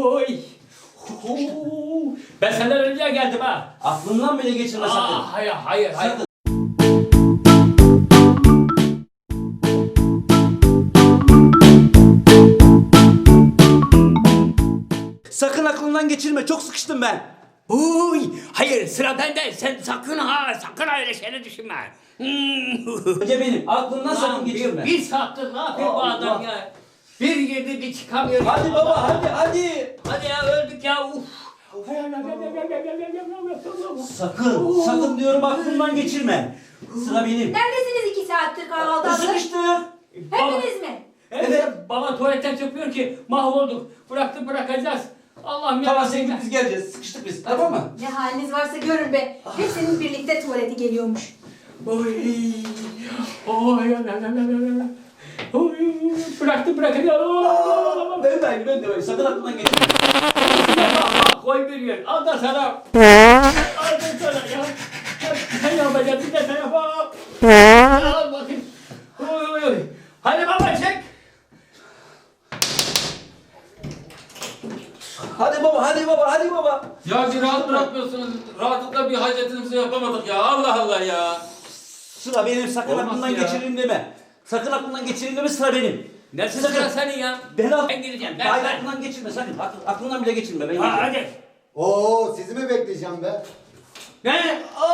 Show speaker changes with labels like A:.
A: Oy. Oo. Ben senden önce geldim ha.
B: Aklından bile geçirme sakın.
A: Hayır, hayır, hayır.
B: Sakın. Sakın aklından geçirme. Çok sıkıştım ben.
A: Oy. Hayır, sıra bende. Sen sakın ha, sakın öyle şeyleri düşünme.
B: Önce benim. Aklından sakın
A: Lan
B: geçirme.
A: bir saattir ne yapıyor bu
B: Allah.
A: adam ya? Bir girdi bir çıkamıyor.
B: Hadi baba hadi hadi.
A: Hadi ya öldük ya. Uf.
B: Sakın diyorum aklından geçirme. Sıra benim.
C: Neredesiniz 2 saattir kahvaltıda?
B: Sıkıştık.
C: Hepiniz mi?
A: Evet. Baba tuvaletten çıkmıyor ki mahvolduk. Bırakacağız. Allah'ım ya.
B: Tamam sen git biz geleceğiz. Sıkıştık biz. Tamam mı?
C: Ne haliniz varsa görün be. Hepsinin birlikte tuvaleti geliyormuş.
A: Oy. Oy. Oy. Bırakacağız.
B: Ben de. Sakın aklından geçirme.
A: Bak koy bir yer. Al da sana. Al da sana ya. Sen yapacaksın bir de sen yap. Al bakayım. Oy. Hadi baba çek.
B: Hadi baba.
D: Ya bir rahat bırakmıyorsunuz. Rahatlıkla bir hacetimizi yapamadık ya. Allah Allah ya.
B: Sıra benim. Sakın
D: Olmaz
B: aklından
D: ya.
B: geçireyim deme. Sakın aklından geçireyim deme sıra benim.
A: Neresi
B: Sakın.
A: sıra senin ya? Ben gireceğim.
B: Hayır
A: Ben.
B: aklından geçirme sakın. Aklından bile geçirme. Ben
A: Ha,
B: gireceğim.
A: hadi.
E: Oo sizi mi bekleyeceğim be?
A: Ne?